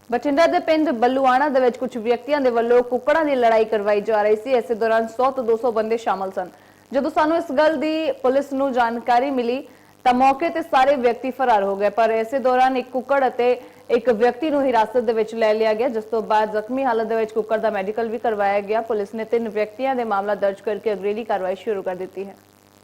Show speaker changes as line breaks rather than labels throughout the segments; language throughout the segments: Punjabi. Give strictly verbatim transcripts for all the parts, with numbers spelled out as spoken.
ਬਠਿੰਡਾ ਦੇ ਪਿੰਡ ਬੱਲੂਆਣਾ ਦੇ ਵਿੱਚ ਕੁਝ ਵਿਅਕਤੀਆਂ ਦੇ ਵੱਲੋਂ ਕੁੱਕੜਾਂ ਦੀ ਲੜਾਈ ਕਰਵਾਈ ਜਾ ਰਹੀ ਸੀ। ਇਸੇ ਦੌਰਾਨ ਸੌ ਤੋਂ ਦੋ ਸੌ ਬੰਦੇ ਸ਼ਾਮਲ ਸਨ। ਜਦੋਂ ਸਾਨੂੰ ਇਸ ਗੱਲ ਦੀ ਪੁਲਿਸ ਨੂੰ ਜਾਣਕਾਰੀ ਮਿਲੀ ਤਾਂ ਮੌਕੇ ਤੇ ਸਾਰੇ ਵਿਅਕਤੀ ਫਰਾਰ ਹੋ ਗਏ, ਪਰ ਇਸੇ ਦੌਰਾਨ ਇੱਕ ਕੁੱਕੜ ਅਤੇ ਇੱਕ ਵਿਅਕਤੀ ਨੂੰ ਹਿਰਾਸਤ ਦੇ ਵਿੱਚ ਲੈ ਲਿਆ ਗਿਆ, ਜਿਸ ਤੋਂ ਬਾਅਦ ਜ਼ਖਮੀ ਹਾਲਤ ਦੇ ਵਿੱਚ ਕੁੱਕੜ ਦਾ ਮੈਡੀਕਲ ਵੀ ਕਰਵਾਇਆ ਗਿਆ। ਪੁਲਿਸ ਨੇ ਤਿੰਨ ਵਿਅਕਤੀਆਂ ਦੇ ਮਾਮਲਾ ਦਰਜ ਕਰਕੇ ਅਗਲੇਰੀ ਕਾਰਵਾਈ ਸ਼ੁਰੂ ਕਰ ਦਿੱਤੀ ਹੈ।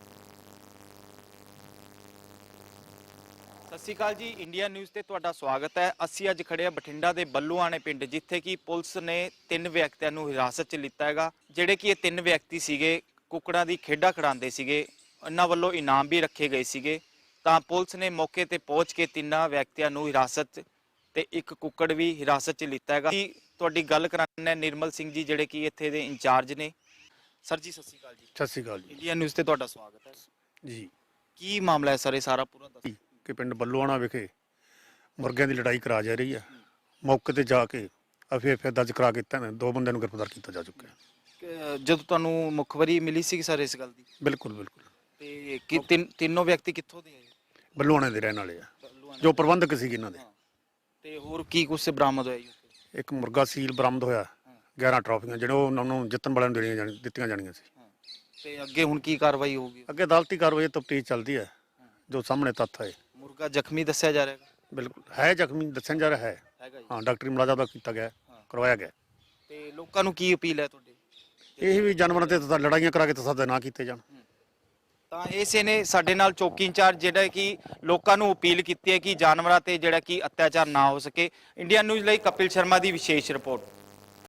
ਸਤਿ ਸ਼੍ਰੀ ਅਕਾਲ ਜੀ, ਇੰਡੀਆ ਨਿਊਜ਼ ਤੇ ਤੁਹਾਡਾ ਸਵਾਗਤ ਹੈ। ਅਸੀਂ ਅੱਜ ਖੜੇ ਆ ਬਠਿੰਡਾ ਦੇ ਬੱਲੂਆਣੇ ਪਿੰਡ, ਜਿੱਥੇ ਕਿ ਪੁਲਿਸ ਨੇ ਤਿੰਨ ਵਿਅਕਤੀਆਂ ਨੂੰ ਹਿਰਾਸਤ 'ਚ ਲਿੱਤਾ ਹੈਗਾ। ਜਿਹੜੇ ਕਿ ਇਹ ਤਿੰਨ ਵਿਅਕਤੀ ਸੀਗੇ ਕੁੱਕੜਾਂ ਦੀ ਖੇਡਾਂ ਖਿਡਾਉਂਦੇ ਸੀਗੇ। ਇਹਨਾਂ ਵੱਲੋਂ ਇਨਾਮ ਵੀ ਰੱਖੇ ਗਏ ਸੀਗੇ, ਤਾਂ ਪੁਲਿਸ ਨੇ ਮੌਕੇ ਤੇ ਪਹੁੰਚ ਕੇ ਤਿੰਨਾਂ ਵਿਅਕਤੀਆਂ ਨੂੰ ਹਿਰਾਸਤ ਤੇ ਇੱਕ ਕੁੱਕੜ ਵੀ ਹਿਰਾਸਤ 'ਚ ਲਿੱਤਾ ਹੈਗਾ। ਤੁਹਾਡੀ ਗੱਲ ਕਰਾਉਣਾ ਨਿਰਮਲ ਸਿੰਘ ਜੀ, ਜਿਹੜੇ ਕਿ ਇੱਥੇ ਦੇ ਇੰਚਾਰਜ ਨੇ। ਸਰ ਜੀ ਸਤਿ ਸ਼੍ਰੀ ਅਕਾਲ ਜੀ।
ਸਤਿ ਸ਼੍ਰੀ ਅਕਾਲ ਜੀ।
ਇੰਡੀਆ ਨਿਊਜ਼ ਤੇ ਤੁਹਾਡਾ ਸਵਾਗਤ ਹੈ
ਜੀ।
ਕੀ ਮਾਮਲਾ ਹੈ ਸਰ, ਇਹ ਸਾਰਾ ਪੂਰਾ ਦੱਸੋ।
ਕਿ ਪਿੰਡ ਬੱਲੂਆਣਾ ਵਿਖੇ ਮੁਰਗਿਆਂ ਦੀ ਲੜਾਈ ਕਰਾ ਜਾ ਰਹੀ ਹੈ। ਮੌਕੇ ਤੇ ਜਾ ਕੇ ਐਫਆਈਆਰ ਦਰਜ ਕਰਾ ਕੇ ਤਾਂ ਦੋ ਬੰਦਿਆਂ ਨੂੰ ਗ੍ਰਿਫਤਾਰ ਕੀਤਾ ਜਾ ਚੁੱਕਿਆ ਹੈ।
ਜਦੋਂ ਤੁਹਾਨੂੰ ਮੁਖਬਰੀ ਮਿਲੀ ਸੀ ਸਰ ਇਸ ਗੱਲ ਦੀ?
ਬਿਲਕੁਲ ਬਿਲਕੁਲ।
ਤੇ ਕਿ ਤਿੰਨ ਤਿੰਨੋਂ ਵਿਅਕਤੀ ਕਿੱਥੋਂ ਦੇ ਆਏ?
ਬੱਲੂਆਣੇ ਦੇ ਰਹਿਣ ਵਾਲੇ ਆ, ਜੋ ਪ੍ਰਬੰਧਕ ਸੀ ਇਹਨਾਂ ਦੇ।
ਤੇ ਹੋਰ ਕੀ ਕੁਝ ਬਰਾਮਦ ਹੋਇਆ ਜੀ?
ਇੱਕ ਮੁਰਗਾ ਸੀਲ ਬਰਾਮਦ ਹੋਇਆ, ਗਿਆਰਾਂ ਟਰਾਫੀਆਂ ਜਿਹੜੇ ਉਹਨਾਂ ਨੂੰ ਜਿੱਤਣ ਵਾਲਿਆਂ ਨੂੰ ਦੇਣੀਆਂ ਜਾਣੀ ਦਿੱਤੀਆਂ ਜਾਣੀਆਂ ਸੀ।
ਤੇ ਅੱਗੇ ਹੁਣ ਕੀ ਕਾਰਵਾਈ ਹੋਊਗੀ?
ਅੱਗੇ ਅਦਾਲਤੀ ਕਾਰਵਾਈ ਤਫਤੀਸ਼ ਚੱਲਦੀ ਹੈ, ਜੋ ਸਾਹਮਣੇ ਤੱਥ ਆਏ।
ਮੁਰਗਾ ਜ਼ਖਮੀ ਦੱਸਿਆ ਜਾ ਰਿਹਾ ਹੈ?
ਬਿਲਕੁਲ ਹੈ ਜ਼ਖਮੀ ਦੱਸਿਆ ਜਾ ਰਿਹਾ ਹੈ।
ਹੈਗਾ ਜੀ।
ਹਾਂ, ਡਾਕਟਰੀ ਮੁਲਾਜ਼ਾ ਦਾ ਕੀਤਾ ਗਿਆ, ਕਰਵਾਇਆ ਗਿਆ।
ਤੇ ਲੋਕਾਂ ਨੂੰ ਕੀ ਅਪੀਲ ਹੈ ਤੁਹਾਡੀ?
ਇਹ ਵੀ ਜਾਨਵਰਾਂ ਤੇ ਤਾਂ ਲੜਾਈਆਂ ਕਰਾ ਕੇ ਤਸੱਦਦ ਨਾ ਕੀਤੇ ਜਾਣ।
ਤਾਂ ਇਸੇ ਨੇ ਸਾਡੇ ਨਾਲ ਚੌਕੀ ਇੰਚਾਰਜ ਜਿਹੜਾ ਕਿ ਲੋਕਾਂ ਨੂੰ ਅਪੀਲ ਕੀਤੀ ਹੈ ਕਿ ਜਾਨਵਰਾਂ ਤੇ ਜਿਹੜਾ ਕਿ ਅਤਿਆਚਾਰ ਨਾ ਹੋ ਸਕੇ। ਇੰਡੀਆ ਨਿਊਜ਼ ਲਈ ਕਪਿਲ ਸ਼ਰਮਾ ਦੀ ਵਿਸ਼ੇਸ਼ ਰਿਪੋਰਟ।